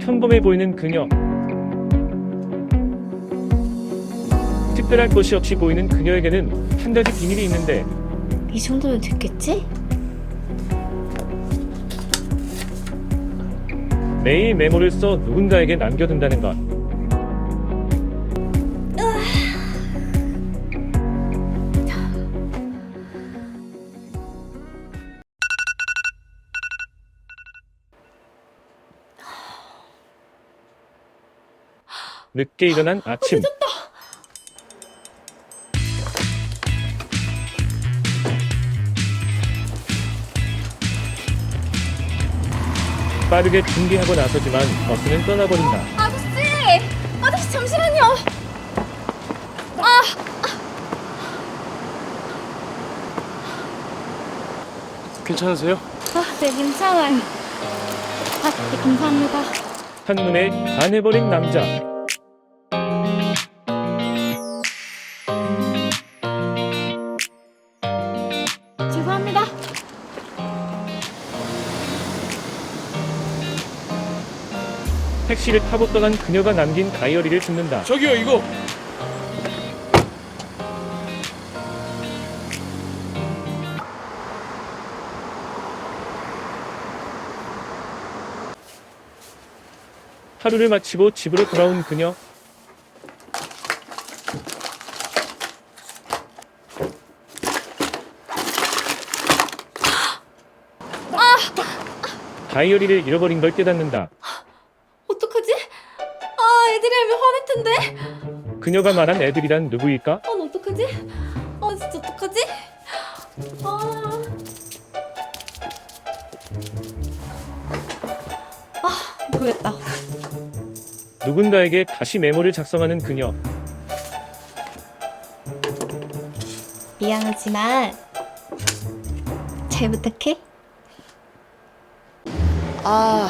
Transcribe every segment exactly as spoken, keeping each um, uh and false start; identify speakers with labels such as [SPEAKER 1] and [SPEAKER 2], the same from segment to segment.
[SPEAKER 1] 평범해 보이는 그녀. 특별할 것이 없이 보이는 그녀에게는 한 가지 비밀이 있는데
[SPEAKER 2] 이 정도면 됐겠지?
[SPEAKER 1] 매일 메모를 써 누군가에게 남겨둔다는 것. 늦게 일어난 아침. 빠르게 준비하고 나서지만 버스는 떠나버린다.
[SPEAKER 2] 아저씨! 아저씨 잠시만요! 아!
[SPEAKER 3] 괜찮으세요?
[SPEAKER 2] 아, 네, 괜찮아요. 아, 네, 감사합니다.
[SPEAKER 1] 한눈에 반해버린 남자.
[SPEAKER 2] 죄송합니다.
[SPEAKER 1] 택시를 타고 떠난 그녀가 남긴 다이어리를 줍는다.
[SPEAKER 3] 저기요, 이거.
[SPEAKER 1] 하루를 마치고 집으로 돌아온 그녀. 다이어리를 잃어버린 걸 깨닫는다.
[SPEAKER 2] 어떡하지? 아, 애들이 알면 화낼 텐데.
[SPEAKER 1] 그녀가 말한 애들이란 누구일까?
[SPEAKER 2] 아, 나 어떡하지? 아, 진짜 어떡하지? 아. 아, 모르겠다.
[SPEAKER 1] 누군가에게 다시 메모를 작성하는 그녀.
[SPEAKER 2] 미안하지만 잘 부탁해. 아,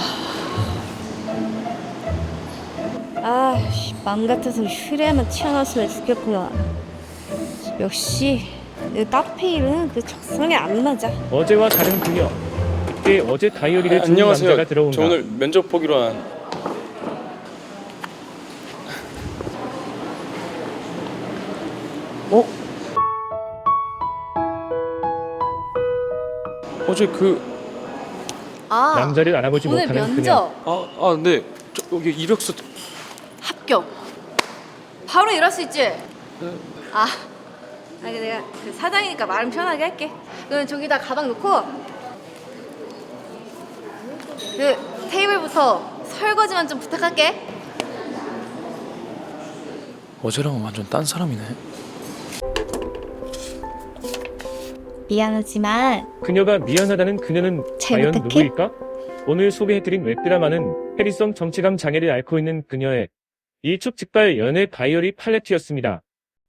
[SPEAKER 2] 아, 씨, 맘 같아서 휴레만 튀어나왔으면 좋겠구나. 역시 이 카페 일은 그 적성에 안 맞아.
[SPEAKER 1] 어제와 다른 그녀. 그때 어제 다이어리를 준
[SPEAKER 3] 안녕하세요.
[SPEAKER 1] 남자가 들어온다.
[SPEAKER 3] 저 오늘 면접 보기로 한. 어? 어제 그
[SPEAKER 2] 아,
[SPEAKER 1] 남자를 알아보지
[SPEAKER 2] 오늘
[SPEAKER 1] 못하는
[SPEAKER 2] 면접
[SPEAKER 3] 아, 아, 네. 저 여기 이력서.
[SPEAKER 2] 합격. 바로 일할 수 있지? 아, 아니 내가 그 사장이니까 말은 편하게 할게. 그럼 저기다 가방 놓고 그 테이블부터 설거지만 좀 부탁할게.
[SPEAKER 3] 어제랑은 완전 딴 사람이네.
[SPEAKER 2] 미안하지만
[SPEAKER 1] 그녀가 미안하다는 그녀는
[SPEAKER 2] 잘
[SPEAKER 1] 과연
[SPEAKER 2] 부탁해.
[SPEAKER 1] 누구일까? 오늘 소개해드린 웹드라마는 해리성 정체감 장애를 앓고 있는 그녀의 일촉즉발 연애 다이어리 팔레트였습니다.